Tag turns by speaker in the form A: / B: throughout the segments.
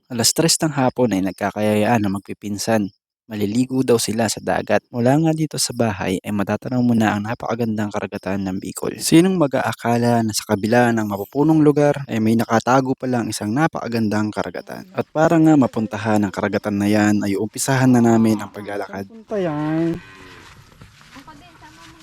A: Alas 3 ng hapon ay nagkakayayaan na magpipinsan. Maliligo daw sila sa dagat. Mula nga dito sa bahay ay matatanaw mo na ang napakagandang karagatan ng Bicol. Sinong mag-aakala na sa kabila ng mapupunong lugar ay may nakatago palang isang napakagandang karagatan. At para nga mapuntahan ang karagatan na yan ay umpisahan na namin ang paglalakad. Punta yan.
B: Ako din, sama mo.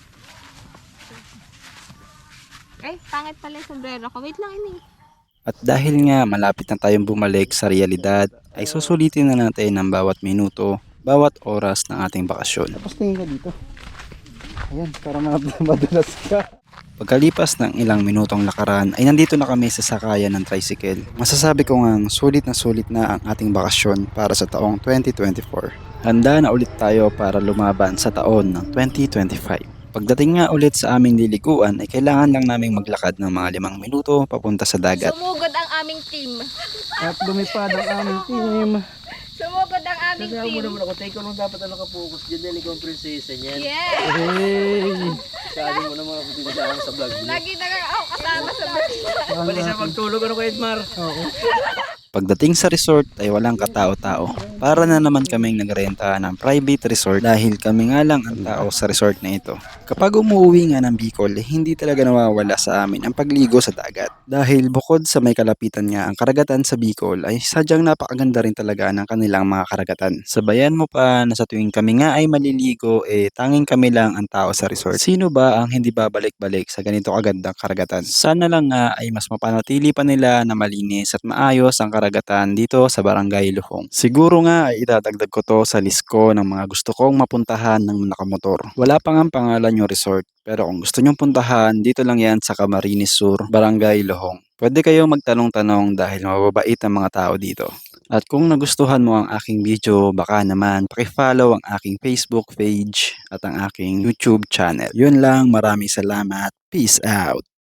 B: Ay, pangit pala yung sombrero ko. Wait lang, ini.
A: At dahil nga malapit na tayong bumalik sa realidad, ay susulitin na natin ang bawat minuto, bawat oras ng ating bakasyon. Tapos tingin ka dito. Ayan, para madulas ka. Pagkalipas ng ilang minutong lakaran ay nandito na kami sa sakayan ng tricycle. Masasabi ko ngang sulit na ang ating bakasyon para sa taong 2024. Handa na ulit tayo para lumaban sa taon ng 2025. Pagdating nga ulit sa aming liliguan ay kailangan lang naming maglakad ng mga 5 minuto papunta sa dagat.
B: Sumugod ang aming team.
A: At lumipad ang aming team.
B: Sumugod ang aming
C: Sabi mo
B: team.
C: naman ako, tayo ko nung dapat na nakapokus dyan dahil ikaw ang prinsesa niyan.
B: Yes!
A: Hey!
C: Sabi mo naman ako dito sa vlog mo.
B: Lagi na ako kasama sa vlog.
C: Bali sa magtulog ano ko Edmar?
A: Oo. Pagdating sa resort ay walang katao-tao. Para na naman kaming nagrenta ng private resort dahil kami nga lang ang tao sa resort na ito. Kapag umuwi nga ng Bicol, hindi talaga nawawala sa amin ang pagligo sa dagat. Dahil bukod sa may kalapitan nga ang karagatan sa Bicol ay sadyang napakaganda rin talaga ng kanilang mga karagatan. Sabayan mo pa na sa tuwing kami nga ay maliligo tanging kami lang ang tao sa resort. Sino ba ang hindi babalik-balik sa ganito kagandang karagatan? Sana lang nga ay mas mapanatili pa nila na malinis at maayos ang karagatan dito sa Barangay Luhong. Siguro nga ay idadagdag ko to sa list ko ng mga gusto kong mapuntahan ng nakamotor. Wala pa nga pangalan yung resort, pero kung gusto nyong puntahan, dito lang yan sa Camarines Sur, Barangay Luhong. Pwede kayong magtanong-tanong dahil mababait ang mga tao dito. At kung nagustuhan mo ang aking video, baka naman pakifollow ang aking Facebook page at ang aking YouTube channel. Yun lang, maraming salamat. Peace out!